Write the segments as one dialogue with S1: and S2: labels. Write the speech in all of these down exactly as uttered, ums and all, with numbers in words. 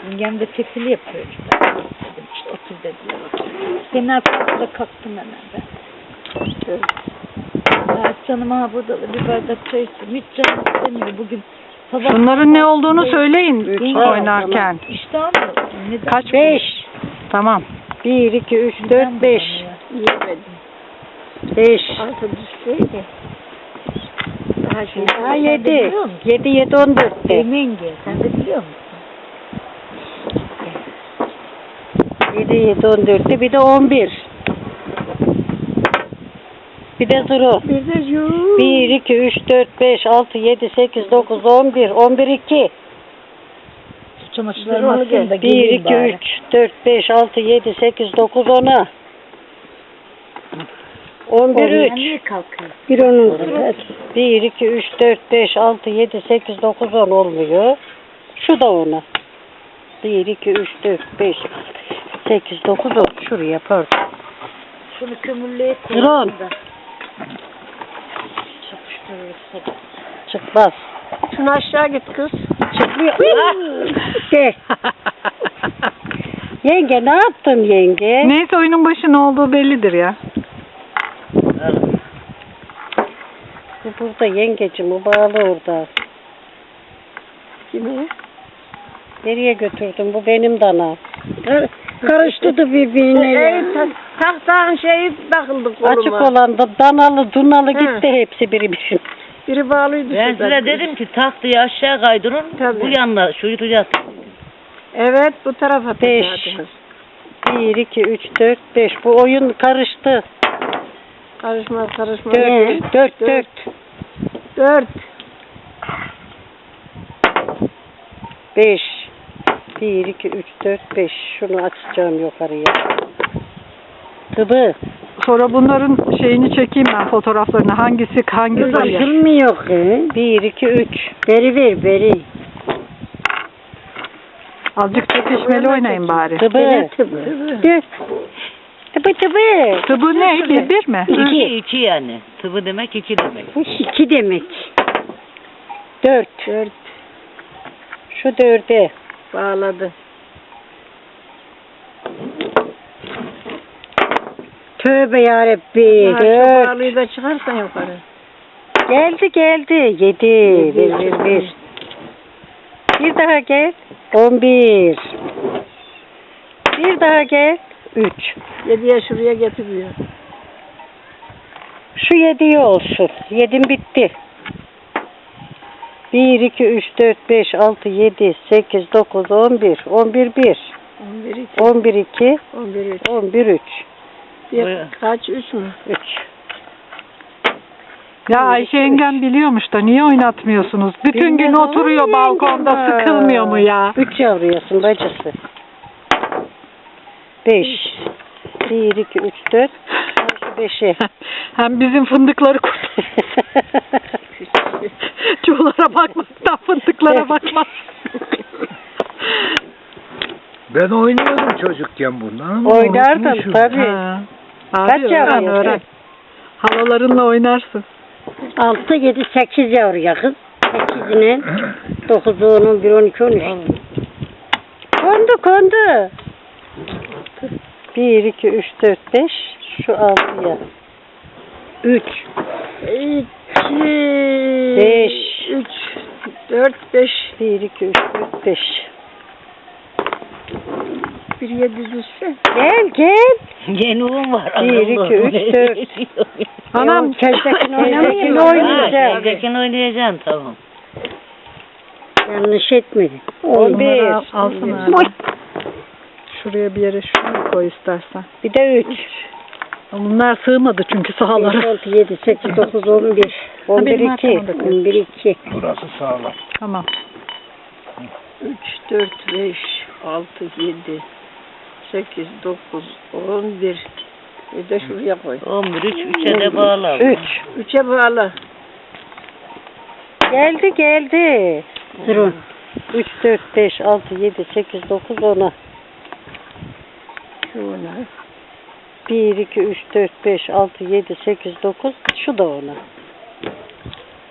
S1: Yengem de tefili yapıyor işte. Dedim işte otur dediler. Senin arkasında kalktım hemen ben. Evet. Evet, canım ha burada da bir bardak çay istiyorum. Hiç canım istemiyor bugün. Sabah
S2: Şunların ne olduğunu söyleyin
S1: Üç,
S2: oynarken.
S1: İşte abi. Neden?
S2: Kaç?
S3: Beş.
S2: Tamam.
S3: Bir, iki, üç, dört, beş.
S1: Yemedim.
S3: Beş.
S1: Altı düşseydi. Daha şey.
S3: Ha, yedi. Yedi, yedi, on dörtte.
S1: Yenge, sen de biliyor musun?
S3: Yedi, yedi, on dörtte. Bir de on bir. Bir de zero.
S1: Bir de yok.
S3: Bir, iki, üç, dört, beş, altı, yedi, sekiz, dokuz, on bir. On bir, iki.
S1: Çamaşırlarımı atayım da
S3: Bir,
S1: geleyim
S3: iki,
S1: bari.
S3: üç, dört, beş, altı, yedi, sekiz, dokuz, on. On bir, üç.
S1: Niye kalkıyor?
S3: Bir onun. Bir, iki, üç, dört, beş, altı, yedi, sekiz, dokuz, on olmuyor. Şu da ona. Bir, iki, üç, dört, beş, sekiz, dokuz, on. Şuraya pardon.
S1: Şunu kömürlüğe
S3: Drone.
S1: koyalım da. Çapıştırırız.
S3: Çıkmaz.
S1: Şunu aşağı git kız.
S3: Çıkmıyor. De. Yenge ne yaptın yenge?
S2: Neyse oyunun başı ne olduğu bellidir ya.
S3: Bu burada yengecim, o bağlı orada.
S1: Kimi?
S3: Nereye götürdün? Bu benim dana. Karıştı da birbirine ya.
S1: Tahtağın şeyi takıldı koluma.
S3: Açık olan da danalı, dunalı
S1: He.
S3: gitti hepsi biri bir.
S1: Biri bağlıydı.
S4: Ben
S1: şuradan.
S4: size dedim ki tahtayı aşağı kaydırın,
S1: Tabii.
S4: bu yanına şu yutacağız.
S1: Evet bu tarafa
S3: Beş.
S1: takacaktınız.
S3: Bir, iki, üç, dört, beş. Bu oyun karıştı.
S1: Karışmaz karışmaz.
S3: Dört, dört, dört.
S1: Dört.
S3: Beş. Bir, iki, üç, dört, beş. Şunu açacağım yukarıya. Tıbı.
S2: Sonra bunların şeyini çekeyim ben, fotoğraflarını. Hangisi hangi sayı?
S3: Açılmıyor ki. Bir, iki, üç. Beri ver, beri.
S2: Azıcık çekişmeli oynayın bari.
S3: Tıbı.
S1: Tıbı.
S3: Tıbı. Tıbı tıbı.
S2: Tıbı ne? Bir, bir mi?
S4: İki, iki yani. Tıbı demek iki demek.
S3: Bu iki demek. Dört.
S1: Dört.
S3: Şu dörde.
S1: Bağladı.
S3: Tövbe yarabbi.
S1: Ha, şu
S3: Dört.
S1: bağlıyı da çıkarsan yukarı.
S3: Geldi geldi. Yedi. Bir, bir, bir. Bir daha gel. On bir. Bir daha gel. Üç.
S1: Yediye şuraya getiriyor.
S3: Şu yediye olsun. Yedim bitti. Bir, iki, üç, dört, beş, altı, yedi, sekiz, dokuz, on bir. On bir, bir.
S1: On bir iki.
S3: On bir, iki.
S1: On bir üç.
S3: On bir, üç.
S1: Bir,
S4: Buyurun.
S1: kaç? Üç mü?
S3: Üç.
S2: Ya Ayşe yengem biliyormuş da niye oynatmıyorsunuz? Bütün gün
S3: Bilmem
S2: oturuyor
S3: ama
S2: balkonda,
S3: yengem.
S2: sıkılmıyor mu ya?
S3: Üç yavruyasın bacısı. Beş. Bir, iki, üç, dört. Şu beşe.
S2: Hem bizim fındıkları kurt. Çuğlara bakmaktan fındıklara bakmaz.
S5: Ben oynuyordum çocukken bundan ama
S3: Oynardın
S5: unutmuşum.
S3: tabii.
S2: Ha.
S3: Kaç
S2: Abi öğren
S3: yavru
S2: öğren.
S3: yok?
S2: Halalarınla oynarsın.
S3: Altı, yedi, sekiz yavruya kız. Sekizine. Dokuzu, on, bir, on iki, on üç. Kondu, kondu. Bir, iki, üç, dört, beş. Şu altıya. Üç.
S1: İki.
S3: Beş.
S1: Üç. Dört. Beş.
S3: Bir, iki, üç, dört, beş.
S1: Bir yedi düşse.
S3: Gel, gel.
S4: Yenuğum var.
S3: Bir, iki, üç, dört.
S2: Anam
S3: Tezdekin oynamayayım
S1: Tezdekin
S3: mı?
S1: oynayacağım.
S3: Oynayacağım.
S4: Tekin oynayacaksın tamam.
S3: Yanlış etmedin. On bir.
S2: Bunları al- alsana.
S3: Oy.
S2: şuraya bir yere şunu koy istersen.
S3: Bir de üç.
S2: Bunlar sığmadı çünkü
S3: beş,
S2: sahalara.
S3: altı, yedi, sekiz, dokuz, on bir. On bir,
S2: benim
S3: iki.
S2: arkamda koy.
S3: On bir, iki.
S5: Burası sağlam.
S2: Tamam.
S1: Üç, dört, beş, altı, yedi, sekiz, dokuz, on bir. Bir de şuraya koy.
S4: On bir, üç, üçe de bağla.
S3: Üç.
S1: Üçe bağla.
S3: Geldi, geldi. Durun. Üç, dört, beş, altı, yedi, sekiz, dokuz, ona.
S1: Şuna.
S3: Bir, iki, üç, dört, beş, altı, yedi, sekiz, dokuz. Şu da ona.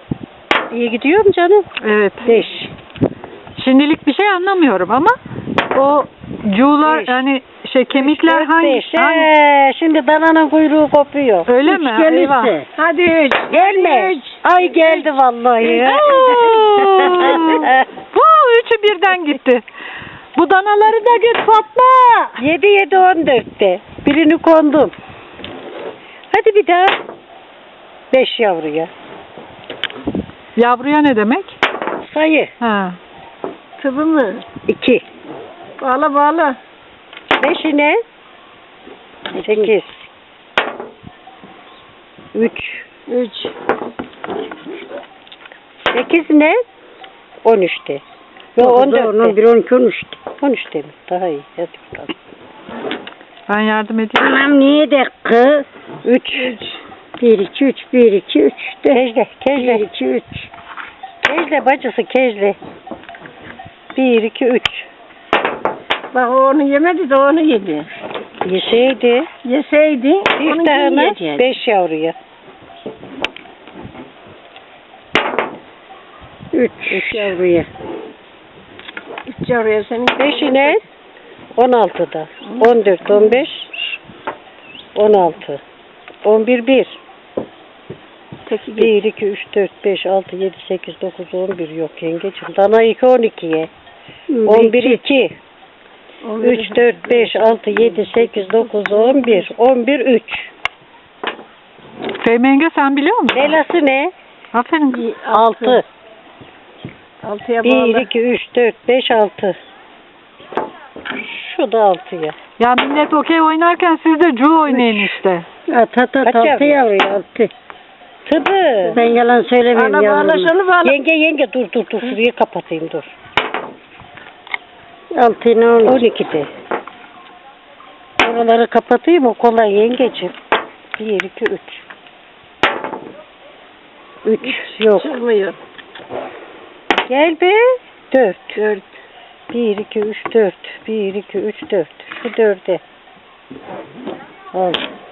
S3: İyi gidiyor mu canım?
S2: Evet.
S3: Beş.
S2: Şimdilik bir şey anlamıyorum ama O cuğlar
S3: Beş.
S2: yani şey kemikler
S3: Dört,
S2: hangi?
S3: beş.
S2: hangi?
S3: Ee, şimdi dananın kuyruğu kopuyor.
S2: Öyle
S3: Üç
S2: mi?
S3: gelirse.
S2: Eyvah.
S3: Hadi üç. Gelme.
S1: Üç.
S3: Ay geldi vallahi.
S2: Huu, üçü birden gitti. Bu danaları da git Fatma.
S3: Yedi yedi on dörtte. Birini kondum. Hadi bir daha. Beş yavruya.
S2: Yavruya ne demek?
S3: Sayı.
S2: Ha.
S3: Tıbı mı? İki.
S1: Bağla bağla.
S3: Beşine. Sekiz. Üç.
S1: Üç.
S3: Sekiz ne? On üçte. Yo on dörtte. Bir on iki on üçte. On üçte mi? Daha iyi. Hadi bakalım.
S2: Ben yardım edeyim.
S3: Anam niye de kız? Üç. Bir iki üç. Bir iki üç. Kejle. Kejle. Bir iki üç. Kejle bacısı kejle. Bir iki üç.
S1: Bak o onu yemedi de onu yedi.
S3: Yeseydi.
S1: Yeseydi
S3: Bir
S1: onu
S3: tane
S1: yiyecekti.
S3: beş yavruya. Üç. Üç yavruya.
S1: Üç yavruya senin.
S3: Beşine on altıda. On dört, on beş, on altı. On bir, bir.
S1: Teki
S3: Bir, iki, üç, dört, beş, altı, yedi, sekiz, dokuz, on bir yok yengeciğim. Dana iki, on ikiye. On bir, iki. Üç, dört, beş, altı, yedi, sekiz, dokuz, on bir. On bir, üç.
S2: Fehmi yenge sen biliyor musun?
S3: Belası ne?
S2: Aferin kız.
S3: Altı.
S1: Altıya
S3: Bir,
S1: bağla.
S3: iki, üç, dört, beş, altı. Şu da altıya.
S2: Ya millet okey oynarken siz de cu oynayın işte.
S3: At at at altı yavruya altı. Tıbı. Ben yalan söylemiyorum
S1: Bağla bağla
S3: yavrum.
S1: şunu bağla.
S3: Yenge yenge dur dur dur şurayı kapatayım dur. Altı ne olur? On ikide. Oraları kapatayım o kolay yengeciğim. Bir iki üç. Üç yok.
S1: Çıkmıyor.
S3: Gel be. Dört.
S1: Dört.
S3: Bir iki üç dört. Bir iki üç dört. Şu dörde. Al.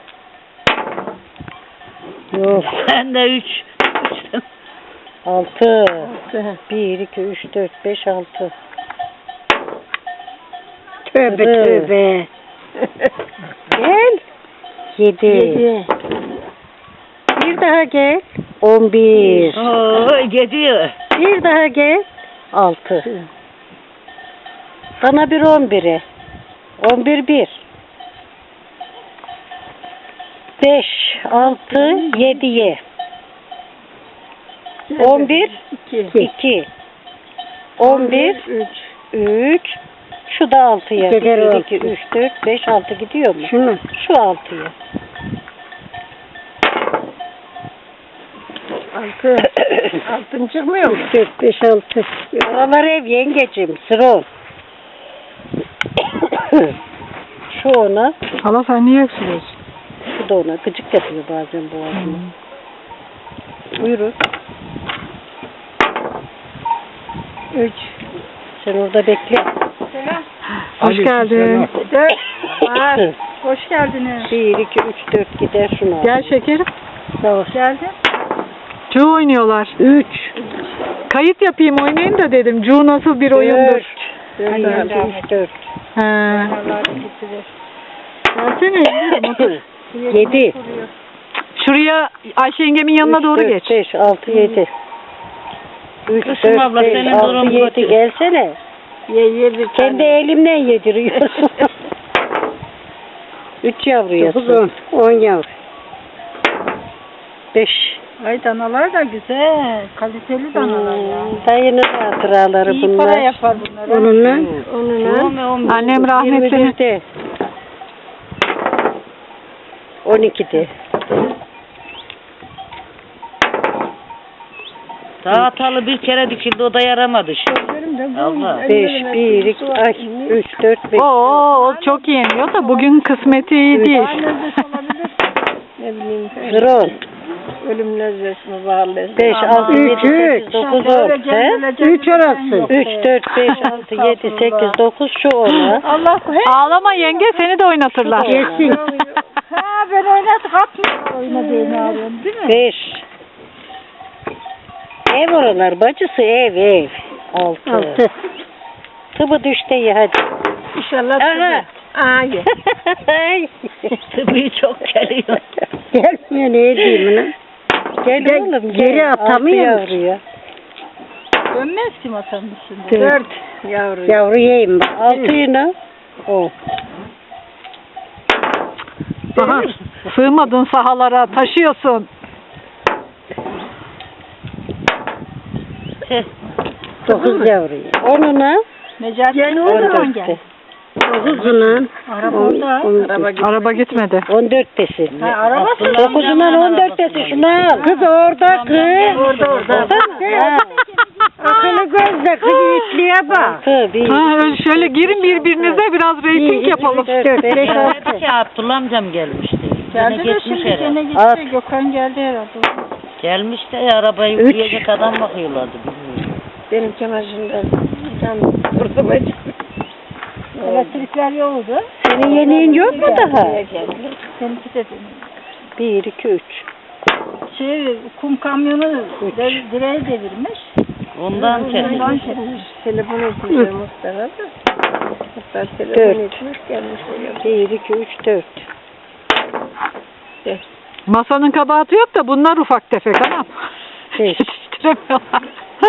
S3: Yok.
S4: Ben de üç.
S3: Altı. Bir, iki, üç, dört, beş, altı. Tövbe
S1: Evet.
S3: tövbe. Gel. Yedi.
S1: Yedi.
S3: Bir daha gel. On bir.
S4: Oo, gidiyor.
S3: Bir daha gel. Altı. Bana bir on bire. On bir bir. Beş, altı, yediye. On bir,
S1: İki.
S3: iki. On bir,
S1: Üç.
S3: üç. Şu da altıya. Bir, iki, üç, dört, beş, altı gidiyor mu? Şunu. Şu altıya.
S1: Altı. Altın çıkmıyor mu?
S3: Dört, beş, altı. Oralar ev yengecim. Sıra on. Şu ona.
S2: Hala sen niye öksürüyorsun?
S3: Şu da ona. Gıcık yapıyor bazen boğazıma. Buyurun.
S1: Üç.
S3: Sen orada bekle.
S1: Selam.
S2: Hoş geldin.
S1: Dört. Var. Hoş geldiniz.
S3: Bir, iki, üç, dört gider şunu al.
S2: Gel şekerim.
S3: Sağ ol.
S1: Geldin.
S2: Cu oynuyorlar.
S3: Üç.
S2: Kayıt yapayım oynayayım da dedim. Cu nasıl bir oyundur.
S3: Dört. Bir, iki, üç, dört.
S2: He.
S1: Allah'ını getirir.
S2: Gelsene.
S3: Yedi.
S2: Şuraya Ayşe yengemin yanına doğru geç.
S3: Beş, altı, yedi. Üç,
S4: Kızım
S3: dört,
S4: abla,
S3: beş,
S4: senin
S3: altı,
S4: durum
S3: yedi.
S4: kötü.
S3: Gelsene.
S1: Ye ye bir
S3: Kendi
S1: tane.
S3: elimden yediriyorsun. Üç yavruyasın. On yavru. Beş.
S1: Ay danalar da güzel. Kaliteli danalar ya.
S3: Hmm, dayının hatıraları
S1: İyi
S3: bunlar.
S1: para yapar bunlar.
S3: Onunla.
S4: On ve on bir.
S2: Annem rahmetli.
S3: yirmi birde. On ikide.
S4: Daha hatalı bir kere dikildi, o da yaramadı şu. Allah.
S3: Beş, bir, iki, ay, üç, dört, beş.
S2: Oo, o çok yeniyor da bugün kısmeti iyi değil.
S1: Ne bileyim.
S3: Zron.
S1: Ölüm lezzeti mi bağlı?
S3: Beş, altı, yedi, sekiz, dokuz, on. He?
S1: Üç orası.
S3: Üç, dört, beş, altı, yedi, sekiz, dokuz, şu ona.
S1: Allah
S2: Ağlama yenge seni de oynatırlar.
S3: Yesin.
S1: Ha ben oynadık atmıyor oynadığını arıyorum değil mi?
S3: Beş. Ev oralar bacısı ev ev. Altı. Altı. Tıbı düştü ya hadi. Maşallah. Aha. Ay.
S4: Tıbbi çok geliyor.
S3: Gelmiyor ne diyeyim lan? Gel oğlum geri atamıyor yavruya.
S1: Dönmez ki masanın üstünde.
S3: Dört yavru. Yavru yiyeyim bak. Altı yine. O.
S2: Aha, sığmadın sahalara, taşıyorsun.
S3: Dokuz yavru. Onuna.
S1: Necati
S3: Gel
S1: ne
S3: on
S1: zaman
S3: dörtte.
S1: gel?
S3: Dokuzundan.
S1: Araba orada.
S3: Araba
S2: Araba gitmedi.
S3: On dörttesin.
S1: Ha, araba
S3: Dokuzundan on dörttesin. Şunu al. Kız orada kız. Orada orada. Akıllı gözle kız itliğe bak.
S2: Ha, öyle şöyle girin birbirinize biraz reyting yapalım.
S3: Dört, beş, altı.
S4: Dedi ki Abdullah amcam gelmişti. Gene
S1: Geldi de
S4: gitmiş
S1: şimdi
S4: herhalde.
S1: gene
S3: At.
S1: gitti. Gökhan geldi herhalde.
S4: Gelmiş de ya, arabayı
S3: Üç.
S4: yürüyecek adam bakıyorlardı. Bilmiyorum.
S3: Benim çamaşırımda can kurtuma çıktı.
S1: Elektrikler yoktu.
S3: Senin yeniğin yok mu daha?
S1: Seninki de
S3: Bir, iki, üç.
S1: şey kum kamyonu de- direğe devirmiş.
S4: Ondan kesin.
S1: Ondan kesmiş.
S3: Telefon etmiş Mustafa da. Hatta telefon etmiş gelmiş oraya. Bir, iki, üç, dört.
S2: Masanın kabahati yok da bunlar ufak tefek anam.
S3: Beş.
S2: Yetiştiremiyorlar.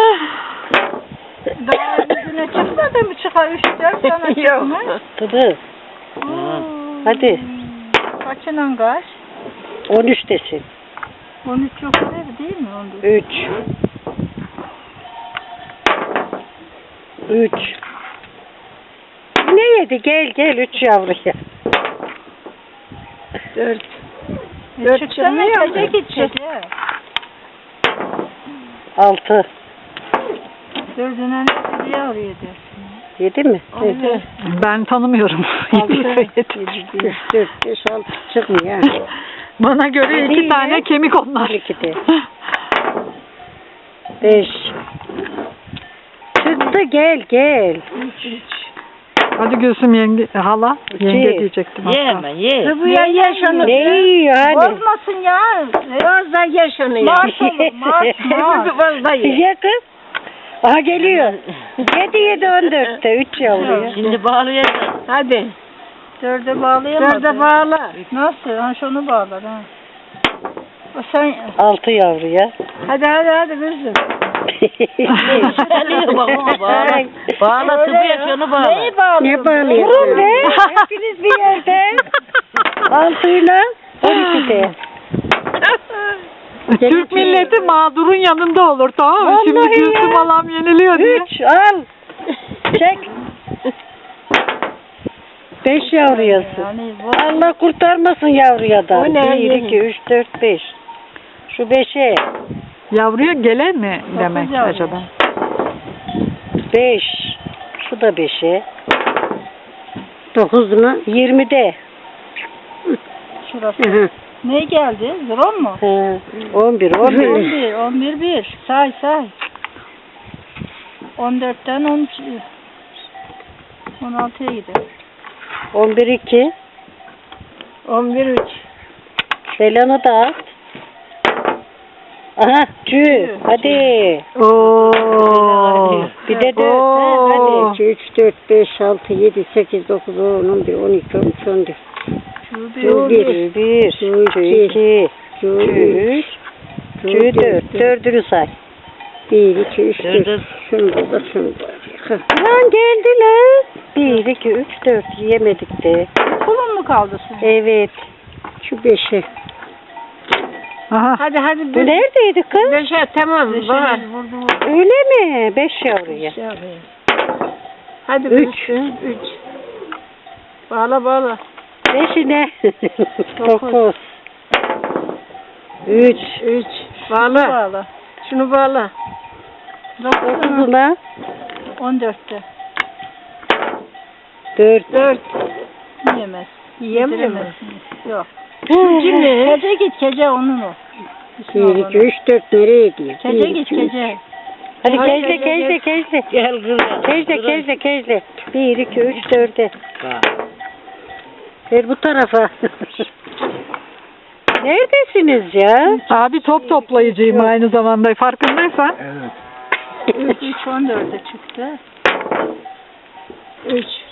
S1: Daha yüzüne çıkmadı mı çıkar üç dört sana çıkmaz.
S3: Tabii. Hadi.
S1: Kaçınan kaç?
S3: On üçtesin.
S1: on üç yok değil, değil mi? on dört.
S3: Üç. Üç. Ne yedi? Gel gel üç yavruya. Dört.
S1: E, çıksana gece gidecek.
S3: Altı.
S1: Dördüne ne diye arıyor dersin.
S3: Yedi mi?
S1: Evet.
S2: Ben tanımıyorum.
S3: Altı.
S2: Yedi.
S3: Üç, dört, beş, altı çıkmıyor.
S2: Bana göre
S3: Yedi
S2: iki
S3: ile
S2: tane kemik onlar.
S3: iki de. Beş. Çıktı gel gel.
S2: Hadi Gülsüm yenge, hala. Yenge
S3: İki.
S2: diyecektim.
S4: Yeme ye.
S3: Bu ya yaşanır. Ne yiyor hadi.
S1: Bozmasın ya.
S3: Fazla yaşanıyor.
S1: Mars olur, Mars, Mars.
S3: Fazla yiyor. Ye kız. Aha geliyor. Yedi yedi on dörtte. Üç yavru.
S4: Şimdi bağlayacağız.
S3: Hadi.
S1: Dörde bağlayamadı.
S3: Dörde bağla.
S1: Nasıl? Ha şunu bağlar ha. O sen...
S3: Altı yavru ya.
S1: Hadi hadi hadi kızım.
S4: Geliyor bak ona bağla. Bağla tıbıya şunu bağla.
S1: Neyi bağlıyorsun?
S3: Ne bağlıyorsun? Durun be. Hepiniz bir yerde. Altıyla on ikide.
S2: Türk milleti mağdurun yanında olur, tamam mı? Şimdi
S3: Vallahi
S2: Gülsüm
S3: ya.
S2: halam yeniliyor diye.
S3: Üç al. Çek. Beş yavruyası.
S1: Yani bu
S3: Allah kurtarmasın yavruya da.
S1: O ne?
S3: Bir, iki, üç, dört, beş. Şu beşe.
S2: Yavruya gele mi demek
S1: yavru.
S2: acaba?
S3: Beş. Şu da beşe. Dokuzuna. Yirmide.
S1: şurası.
S3: Hı hı.
S1: Ne geldi? Zron mu?
S3: He, on bir, on
S1: on
S3: bir.
S1: bir, on bir, bir. Say say. on dörtten on üç. on altıya gider.
S3: On bir, iki.
S1: on bir, üç.
S3: Selanı da at. Aha, cü. Hadi.
S2: Oo.
S3: Bir de dört.
S2: Oo.
S3: Ha, hadi. iki, üç, dört, beş, altı, yedi, sekiz, dokuz, on, on bir, on iki, on üç, on dört.
S1: Şu
S3: Cü
S1: bir.
S3: bir, bir, cü iki, cü üç, cü dört. Dördünü say. Bir, iki, üç, dört. Şunu da şunu da. Lan geldi lan. Bir, iki, üç, dört. Yemedik de.
S1: Kulun mu kaldı senin?
S3: Evet. Şu beşe.
S2: Aha.
S1: Hadi hadi.
S3: Bu neredeydi kız?
S1: Beşe tamam.
S3: Beşe
S1: Var.
S3: mi?
S1: Vurdu vurdu.
S3: Öyle mi? Beş yavruya.
S1: Hadi
S3: Üç.
S1: Üç. Bağla bağla.
S3: Beşine.
S1: Dokuz.
S3: Dokuz. Üç.
S1: Üç. Bağla. Bağla. Şunu bağla. Dokuzuna.
S3: Dokuzuna.
S1: On dörtte.
S3: Dört.
S1: Dört. Yiyemez.
S3: Yiyemiyor mu?
S1: Yediremezsiniz. Yok.
S3: Kim ne?
S1: Gece git gece onun o.
S3: Bir, iki, üç, dört. Nereye gidiyor?
S1: Gece
S3: Bir,
S1: git
S3: iki, üç.
S1: gece.
S3: Hadi
S1: Hadi
S3: kejle
S1: gece,
S3: kejle
S1: gece.
S3: kejle.
S4: Gel kızım.
S3: Kejle kejle kejle. Bir, iki, üç, dörde. Ver bu tarafa. Neredesiniz ya?
S2: Abi top toplayıcıyım aynı zamanda, farkındaysan.
S5: Evet.
S1: Üç, üç on dörde çıktı. Üç.